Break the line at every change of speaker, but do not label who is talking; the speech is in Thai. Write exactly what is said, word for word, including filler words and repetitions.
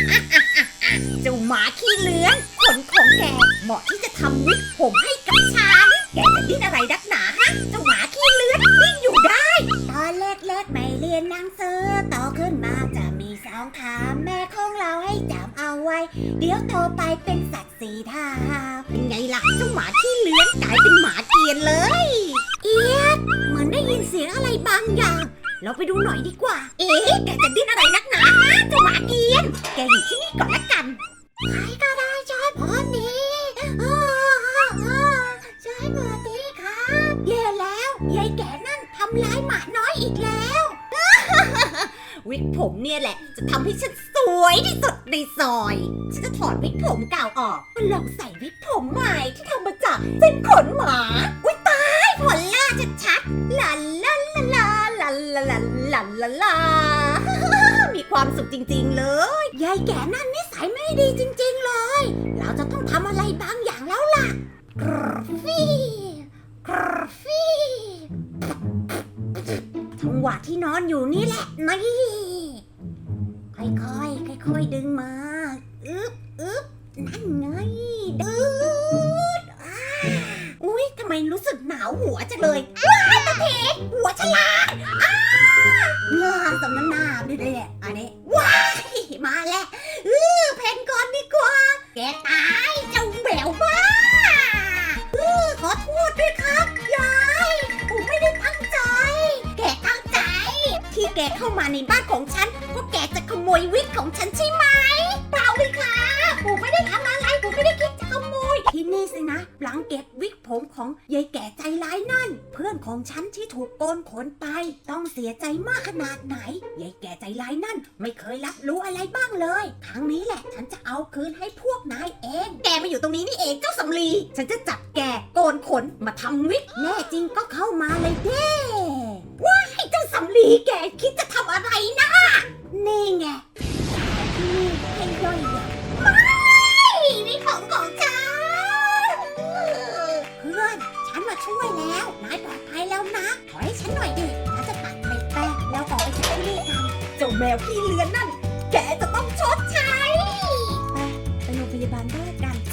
เจ้าหมาขี้เลื้อนขนของแกเหมาะที่จะทำวิกผมให้กับฉันแกจะดิ้นอะไรนักหนาฮะเจ้าหมาขี้เลื้อนดิ้นอยู่ได้ตอนแรกๆไม่เรียนหนังสือโตขึ้นมาจะมีสองขาแม่ของเราให้จำเอาไว้เดี๋ยวโตไปเป็นสัตว์สีเท้าเป็นไงล่ะเจ้าหมาขี้เลื้อนกลายเป็นหมาเกรียนเลยเอี๊ยดเหมือนได้ยินเสียงอะไรบางอย่างเราไปดูหน่อยดีกว่าเอ๊ะแกจะดิ้นอะไรนักหนาฮะเจ้าหมาเกรียนแกอยู่ที่นี่ก่อนละกันใครก็ได้ช่วยผมดีช่วยหน่อยดีครับแย่แล้วยายแก่นั่นทำร้ายหมาน้อยอีกแล้ว วิกผมเนี่ยแหละจะทำให้ฉันสวยที่สุดในซอยฉันจะถอดวิกผมเก่าออกมาลองใส่วิกผมใหม่ที่ทำมาจากเส้นขนหมาอุ้ยตายผลล่าชัดๆลาลาลาลาลาลาลาลาลามีความสุขจริงๆเลยยายแก่นั่นนิสัยไม่ดีจริงๆเลยเราจะต้องทำอะไรบางอย่างแล้วล่ะกรฟี่กรฟี่จังหวะที่นอนอยู่นี่แหละนี่ค่อยๆค่อยๆดึงมาอึ๊บอึ๊บนั่นไงดึดอ้าอุ้ยทำไมรู้สึกหนาวหัวจังเลยว้ายตะเพกหัวฉลาดอ้าเงาสำน้ำหน้าด้วยเนี่ยอันนี้ว้ายมาแล้วเออเพนก่อนดีกว่าแกตายเจ้าแมวบ้าเออขอโทษด้วยครับยายผมไม่ได้ตั้งใจแกตั้งใจที่แกเข้ามาในบ้านของฉันเพราะแกจะขโมยวิกของฉันใช่ไหมเปล่าเลยค่ะผมไม่ได้ทำอะไรผมไม่ได้คิดจะขโมยที่นี่สินะหลังเก็บวิกผมของยายแก่ใจร้ายนั่นเพื่อนของฉันที่ถูกโกนขนไปต้องเสียใจมากขนาดไหนยายแก่ใจร้ายนั่นไม่เคยรับรู้อะไรบ้างเลยครั้งนี้แหละฉันจะเอาคืนให้พวกนายเองแกมาอยู่ตรงนี้นี่เองเจ้าสำลีฉันจะจับแกโกนขนมาทำวิกแน่จริงก็เข้ามาเลยเด้ว้ายเจ้าสำลีแกคิดจะทำอะไรนะนี่ไงที่นี่ให้ย่อยยับไม่นี่ของของฉันเพื่อนฉันมาช่วยแล้วนายปลอดภัยแล้วนะขอให้ฉันหน่อยดิฉันจะตัดไปแป้งแล้วออกไปจากที่นี่กันเจ้าแมวขี้เลือนนั่นแกจะต้องชดใช้ไปไปโรงพยาบาลด้วยกัน